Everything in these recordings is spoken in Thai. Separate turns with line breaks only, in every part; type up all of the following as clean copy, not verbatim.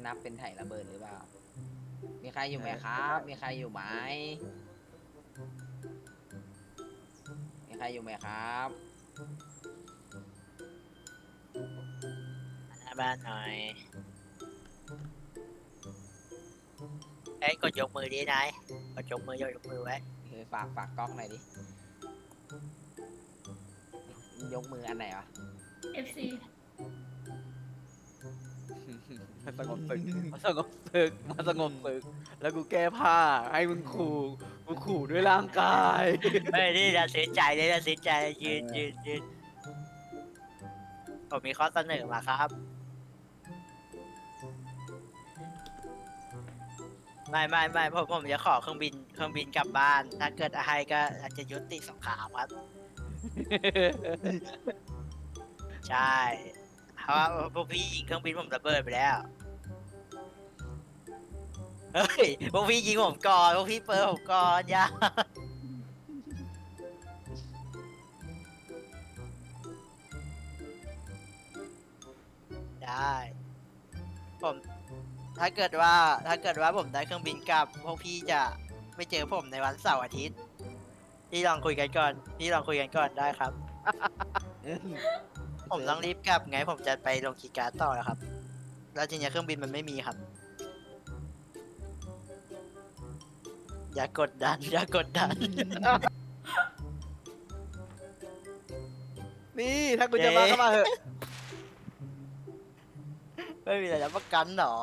นับเป็นไถ่ระเบิดหรือเปล่ามีใครอยู่ไหมครับ มีใครอยู่ไหมมีใครอยู่ไหมครับ
หน้าบ้านหน่อยเอ้ยกดยกมือดินายกดยกมือไว้
ฝากกล้องหน่อยดิยกมืออันไหนวะ
FC
มาสงบศึกมาสงบศึกมาสงบศึกแล้วกูแก้ผ้าให้มึงขู่กูขู่ด้วยร่างกาย
เฮ้ยนี่ตัดสินใจเลยตัดสินใจยืนผมมีข้อเสนอมาครับไม่ผมจะขอเครื่องบินกลับบ้านถ้าเกิดอะไรก็อาจจะยุติสงครามครับ ใช่เพราะว่าพวกพี่ยิงเครื่องบินผมระเบิดไปแล้วเฮ้ยพวกพี่ยิงผมก่อนพวกพี่เปิดผมก่อนอย่าได้ผมถ้าเกิดว่าผมได้เครื่องบินกลับพวกพี่จะไม่เจอผมในวันเสาร์อาทิตย์พี่ลองคุยกันก่อนได้ครับ ผมต้องรีบกลับไงผมจะไปลงคีย์การ์ดต่อแล้วครับ แล้วทีนี้เครื่องบินมันไม่มีครับ อย่ากดดัน
นี่ถ้ากูจะมาก็มาเถอะ
ไม่มีอะไรรับประกันหรอ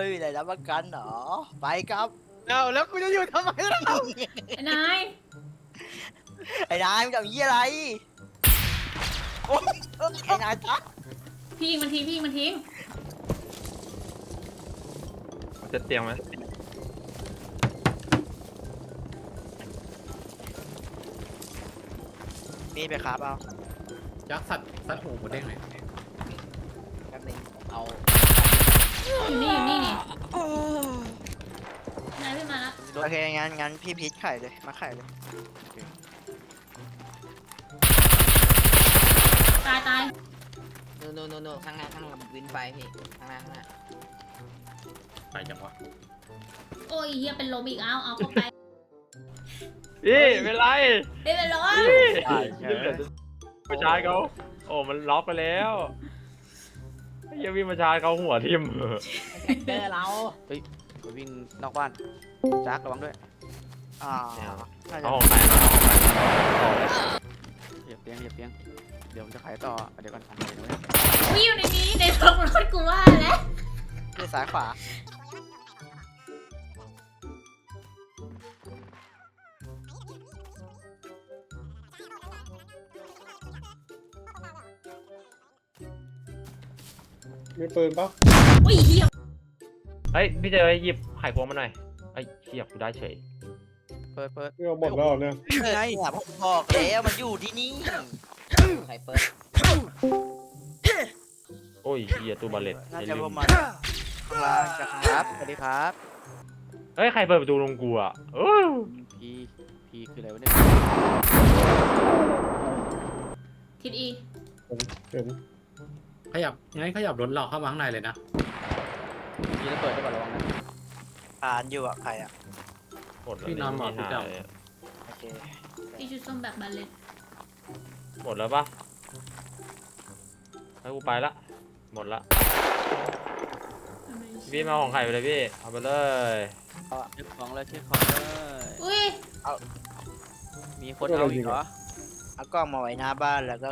ไปครับ
เอาแล้วกูจะอยู่ทำไมล่ะ
ไอ้นาย
ไอ้นายมันจะยี่อะไรโอ๊ยไอ้นายจ๊ะ
พี่ยิงมันทิ้งพี่ยิงมันทิ้ง
จะเตรียมไหม
มีไปครับเอา
ยักษ์สัตว์หูหมูเด้งหน่อย
แป๊บนึงเอา
อยู่นี่นี่นายพี่มาแล้ว
โอเคงั้นพี่พีชไข่เลยมาไข่เลย
ตาย
โน่ข้างหน้าวินไปพี่ข้างหน้า
ไปจังวะ
โอ้ยเฮียเป็นลมอีกเอาเข้าไป
พี่เป็นไร
เป็นลม
มาชาร์จเขาโอ้มันล็อกไปแล้วยังวิ่งมาชาร์จเขาหัวทิ่ม
เจอเรา
กูวิ่งนอกบ้านจักระวังด้วย
อ่าน่าจะ
เอาของใครมาเอาเลย
เหยียบเตียงเดี๋ยวผมจะขายต่อเดี๋ยวก่อนของใครด้วย
วิ่งอยู่ในนี้ในรถกูว่าแล้ว
คือซ้ายขวา
มีปืนปะ
โอ้ยเฮีย
เฮ้ยพี่เจอหยิบไข่พวงมาหน่อยไอ้เชี่ยกูได้เฉย
เปิด
พี่เอาหมดแล้วเนี่ย
ไงผมบอกแล้วมันอยู่ที่นี่
ใครเปิด
โอ้ยเหี้ยตู้บาเลต
น่า
ไอ้
จะ
ลื
ป
ม
ระมาณข้างล่างจากข้าง
ค
ล่า
รับ
ง
สวัสดีครับ
เฮ้ยใครเปิดประตูลงกูอ่ะ
พีคืออะไรวะเนี่ย
ทิดอี
เห็นขยับรถเราเข้ามาข้างในเลยนะ
พีแล้วเปิดได้ป่ะระวังนะ
อ่านอยู่อ่ะใครอ่ะ
หมดแล้ว
พี่นอนหมด
ไม่
พี่
หา
เจ้า
ย
โอเค
พี่ชุดส้มแบบบาเลต
หมดแล้วปะให้กูไปละหมดละพี่มาเอาของไข่ไปเลยพี่เอาไปเลย
เช็คของเลย
อุ้ย
มีคนเอาอีกเหรอ
เอากล้องมาไว้หน้าบ้านแล้วก็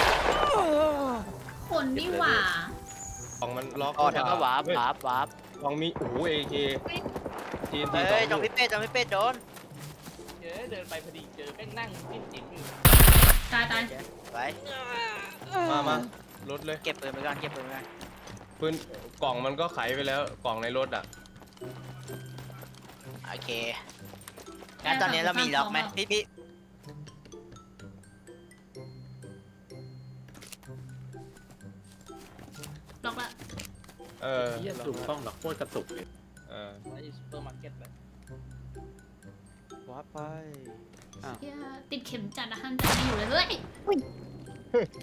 คนนี่หว่า
ของมันล็อก
อ๋อแล้วก็วาร์ป
ของมีโอ้โหเอเคทีนที
เฮ้ยจงพี่เป็ดโดน
เดินไปพอดีเจอแม่งนั่งจิ้มอยู่
ตาย
ไป
มารถเลย
เก็บปืนไปก่อน
ปืนกล่องมันก็ไขไปแล้วกล่องในรถอ่ะ
โอเคงั้นตอนนี้เรามีล็อกไหมพี่
ล็อกละ
เออ
เฮียสูบกล้องหรอกโคตรกระตุกเลย
เออ
ซูเปอร์มาร์เก็ตไป
วาร์ปไป
เฮียติดเข็มจัดอะหันจัดไม่อยู่เลยเฮ้ย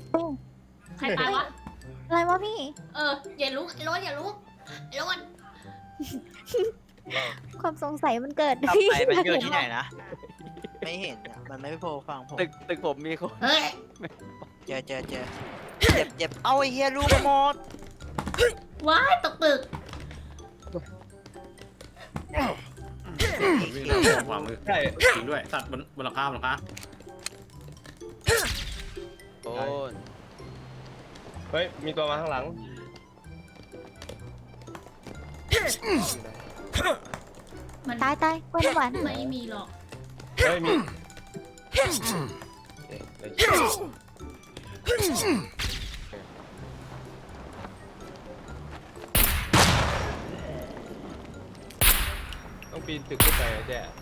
ใครตายวะ
อะไรวะพี่
อย่าลุกรถอย่าลุกรถ
ความสงสัยมันเกิด
ต่อไปมันเกิดที่ไหนนะ ไม่เห็นอะมันไม่โผล่ฟังผม
ตึกผมมีคน
เฮ้ย
เจอเจ็บเอาไอ้เฮียลูกหมด
ว้ายตกตึก
วิ่งแล้วขวามือ
ใช่
จริงด้วยสัตว์บนหลังคาบนหลังคา
โอ้ย
เฮ้ยมีตัวมาข้างหลัง
มัน
ตายตายกล้วยน้ำหวาน
ไม่มีหรอก
เฮ้ยมีต้องปีนตึกขึ้นไปอะแจ๊